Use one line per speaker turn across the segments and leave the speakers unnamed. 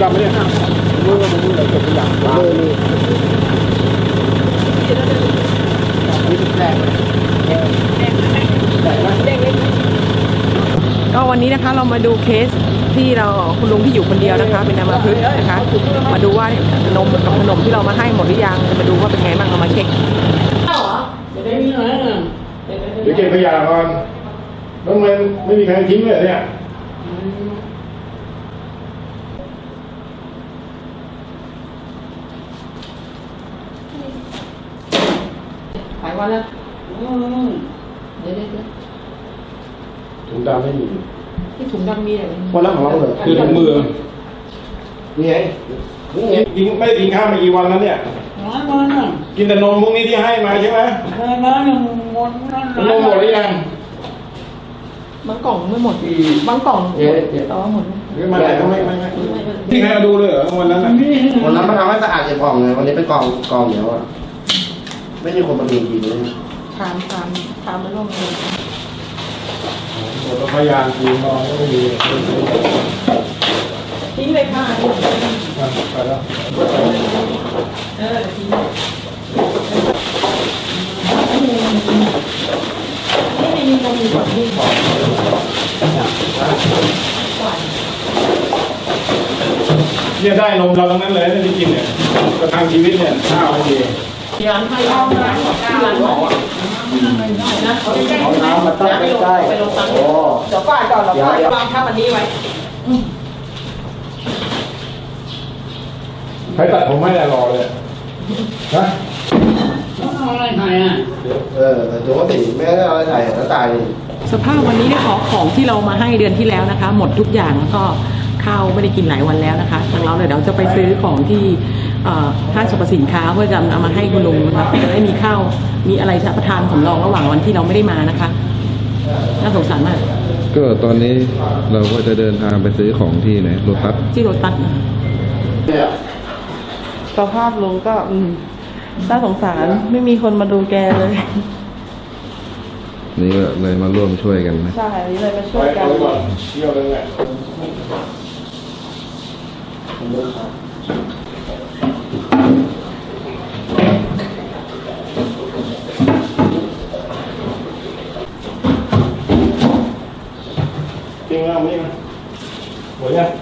ำไหมเนี่ยมืออะไรเก็บตัวอย่างมือนี่แรง
ก็วันนี้นะคะเรามาดูเคสที่เราคุณลุงที่อยู่คนเดียวนะคะเป็นอัมพฤกษ์นะคะมาดูว่านมกับขนมที่เรามาให้หมดหรือยังมาดูว่าเป็นไงบ้างเรามาเช็ค
เดี๋ยวเก็บขยะก่อนแล้วมันไม่มีใครทิ้งเลยเนี่ย
หลายวันแล้วเดี๋ยว
ถุงดำไม่มี
ที่ถุงดำมีอะไร
วันละของเราเลยคือถุงมือนี่ไงกินไม่ได้กินข้าวมากี่วันแล้วเนี่ยกินแต่นมพวกนี้ที่ให้มาใช่ไหมนมหมดหรือยัง
บางกล่องไม่หมดบางกล่องแต่ว่าหมด
ไม่ที่ใครมาดูเลยเหรอวันนั้น
วันนั้นมาทำให้สะอาดเก็บกล่องเลยวันนี้เป็นกล่องเหนียวอ่ะไม่มีคนมาดูจริงเลย
ทานมาร่วมเลย
หมดพยานกินนอนก็ไม่มี
ทิ้งเลยค่ะ
ไปแล้ว
ทิ้งไม่มีนมอยู่ที่
เนี่ยได้นมเราทั้งนั้นเลยที่กินเนี่ยกระทั่งชีวิตเนี่ยข้าวไม่ดี
ร้านให้ร้านหมอนะ
เอาน้ำมาตั้งใกล้
ไปลงตังค์เดี๋ยวป้ายก่อนเราป้ายวางทับอันนี้ไว้
ใครตัดผมไม่ได้รอเลยนะ
อะไรไทยอ่ะแต่ตัวติไม่ได้อะไรไทยแล้วตาย
สภาพวันนี้ได้ของที่เรามาให้เดือนที่แล้วนะคะหมดทุกอย่างแล้วก็ข้าวไม่ได้กินหลายวันแล้วนะคะทางเราเดี๋ยวจะไปซื้อของที่ห้างสรรพสินค้าเพื่อจะเอามาให้คุณลุงนะคะจะได้มีข้าวมีอะไรรับประทานสำรองระหว่างวันที่เราไม่ได้มานะคะน่าสงสารมาก
ก็ตอนนี้เราก็จะเดินทางไปซื้อของที่ไหนโลตัส
ที่โลตัสสภาพลุงก็น่าสงสารไม่มีคนมาดูแกเลย
นี่ก็เลยมาร่วมช่วยกันนะ
ใช่เลยมาช่วยกัน
เที่ยวเลยแหละจริงเอาไหมหมดยัง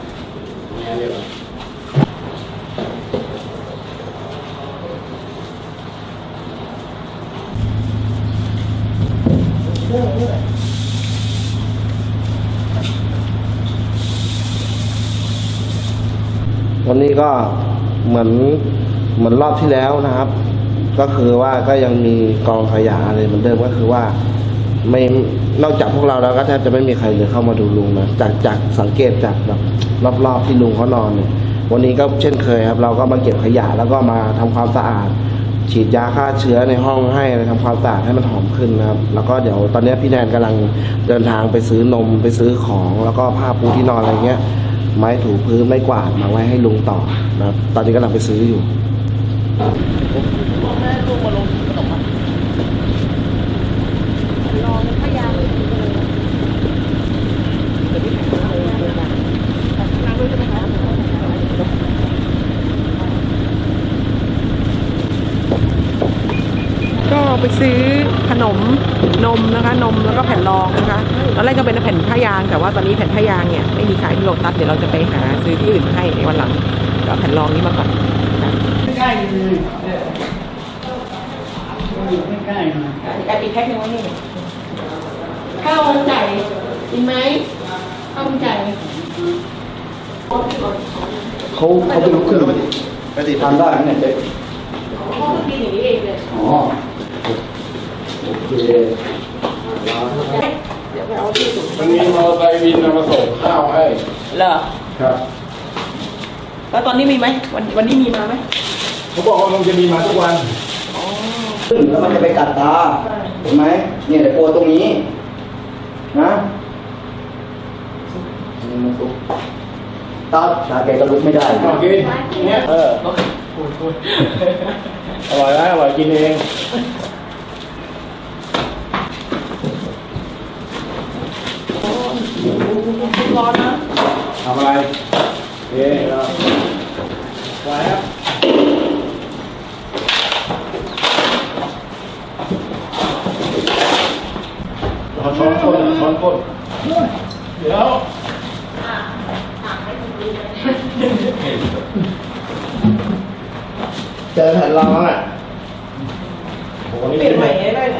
วันนี้ก็เหมือนรอบที่แล้วนะครับก็คือว่าก็ยังมีกองขยะอะไรเหมือนเดิมก็คือว่าไม่นอกจากพวกเราแล้วก็แทบจะไม่มีใครเลยเข้ามาดูลุงนะจากสังเกตจากแบบรอบๆที่ลุงเขานอนเนี่ยวันนี้ก็เช่นเคยครับเราก็มาเก็บขยะแล้วก็มาทำความสะอาดฉีดยาฆ่าเชื้อในห้องให้ทำความสะอาดให้มันหอมขึ้นนะครับแล้วก็เดี๋ยวตอนนี้พี่แนนกำลังเดินทางไปซื้อนมไปซื้อของแล้วก็ผ้าปูที่นอนอะไรเงี้ยไม้ถูพื้นไม้กวาดมาไว้ให้ลุงต่อนะครับตอนนี้กำลังไปซื้ออยู่
ก็ไปซื้อขนมนมนะคะนมแล้วก็แผ่นรองนะคะตอนแรกก็เป็นแผ่นผ้ายางแต่ว่าตอนนี้แผ่นผ้ายางเนี่ยไม่มีขายที่โลตัสเดี๋ยวเราจะไปหาซื้อที่อื่นให้ในวันหลังก็แผ่นรองนี้มาก่อนใกล้เลยใกล้ไก่ปีกแพ็คนึงวะนี่ข้าวไก่กินไหมข้าวไก่
เขาไปลุกขึ้นไปติดพันได้เนี่ยเจ๊
ห้องกินอย่างนี้เองเลย
อ๋อโอเค
เดี๋ยวไปเอาที่สูง
มันมีมอเตอร์ไซค์วินมาส่งข้าวให้
เหรอ
ครับ
แล้วตอนนี้มีไหมวันนี้มีมาไหม
เขาบอกว่ามันจะมีมาทุกวัน
ขึ้นแล้วมันจะไปกัดตาเห็นไหมเนี่ยแต่โปรตรงนี้นะมันตุกตาแกก็ลุกไม่ได้
โอเคเนี่ยอร่อยไหมอร่อยกินเอง
ร้อนนะ
ทำอะไรเอ๊ะเดี๋ยว
เจอแผ่นรองอ่ะ
โอ้โหนี่
เปลี่ยนใหม่ได้ไหม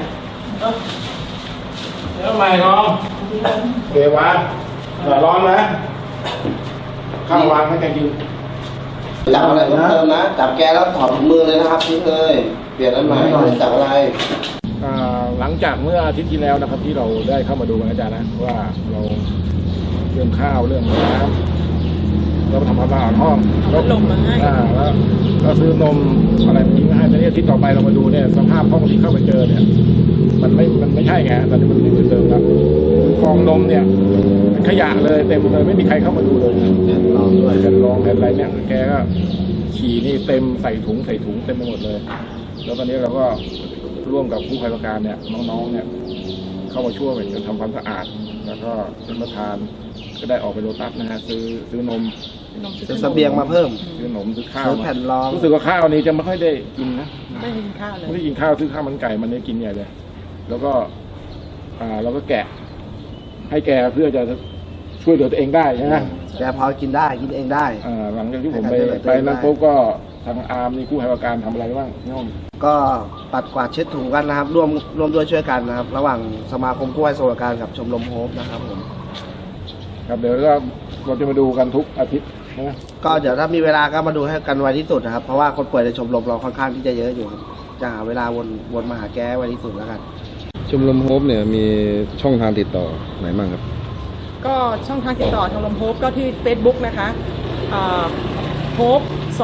เดี๋ยวใหม่น้องเกวะร้อนนะข้าววางให้แกกิน
จับอะไรเพิ่มเติมนะจับแกแล้วถอดถุงมือเลยนะครับทิ้งเลยเปลี่ยนอันใหม่จับอะไร
หลังจากเมื่ออาทิตย์ที่แล้วนะครับ ที่เราได้เข้ามาดูกันอาจารย์นะว่าเราเรื่องข้าวเรื่องน้ำเราทำความสะอาดห้องแล้ว
ลมมาให้
แล้วก็ซื้อนมอะไรทิ้งให้แต่เนี่ยที่ต่อไปเรามาดูเนี่ยสภาพห้องที่เข้าไปเจอเนี่ยมันไม่ใช่ไงตอนนี้มันไม่เหมือนเดิมแล้วฟองนมเนี่ยเป็นขยะเลยเต็มเลยไม่มีใครเข้ามาดูเลย
แผ่นรองด้วย
แผ่นรองแผ่นอะไรเนี่ยแกก็ฉี่นี่เต็มใส่ถุงเต็มไปหมดเลย แล้วตอนนี้เราก็ร่วมกับผู้ภัยประการเนี่ยน้องๆเนี่ยเข้ามาช่วยกันทำความสะอาด แล้วก็ท่านประธานก็ได้ออกไปโลตัสนะฮะซื้อนม
ซื้อเสบียงมาเพิ่ม
ซื้อขนมซื้อข้าว
ซื้อแผ่นรอง
รู้สึกว่าข้าวนี้จะไม่ค่อยได้กินนะ
ไม่กินข้าวเลย
ไม่ได้กินข้าวซื้อข้าวมันไก่มันได้กินใหญ่เลยแล้วก็เราก็แกะให้แกเพื่อจะช่วยเหลือตัวเองได้ใช่ไหม
แกพอกินได้กินเองได้
หลังจากที่ผมไป
ให้การช่วยเหลือตัวเอง
นั้นปุ๊บก็ทางอาร์มนี่ผู้ให้ประการทำอะไรบ้างพี่น้อง
ก็ปัดกวาดเช็ดถูกันนะครับร่วมด้วยช่วยกันนะครับ ระหว่างสมาคมกู้ภัยสวัสดิการกับชมรมโฮปนะครับผม
ครับเดี๋ยวเราจะมาดูกันทุกอาทิตย์นะ
ก็เดี๋ยวถ้ามีเวลาก็มาดูให้กันไวที่สุดนะครับ เพราะว่าคนป่วยในชมรมเราค่อนข้างที่จะเยอะอยู่ครับจะหาเวลาวนมาหาแกไวที่สุดแล้วกัน
ชมรมโฮปเนี่ยมีช่องทางติดต่อไหนบ้างครับ
ก็ช่องทางติดต่อชมรมโฮปก็ที่ Facebook นะคะโฮป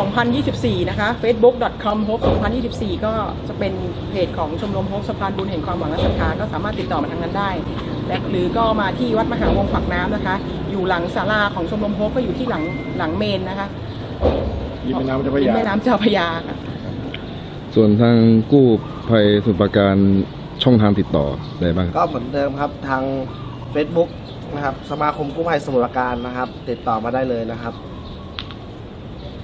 2024 นะคะ facebook.com hope 2024 ก็จะเป็นเพจของชมรมโฮปสะพานบุญแห่งความหวังและศรัทธาก็สามารถติดต่อมาทางนั้นได้และหรือก็มาที่วัดมหาวงศ์ฝักน้ำนะคะ อยู่หลังศาลาของชมรมโฮปก็อยู่ที่หลังเมนนะคะ
ริมแม่น้ำเจ้าพระ
ริม
ยา
แม่น้ำเจ้าพระยาค่ะ
ส่วนทางกู้ภัยสมุทรปราการช่องทางติดต่ออะไรบ้างครับ
ก็เหมือนเดิมครับทาง Facebook นะครับสมาคมกู้ภัยสมุทรปราการนะครับ ติดต่อมาได้เลยนะครับ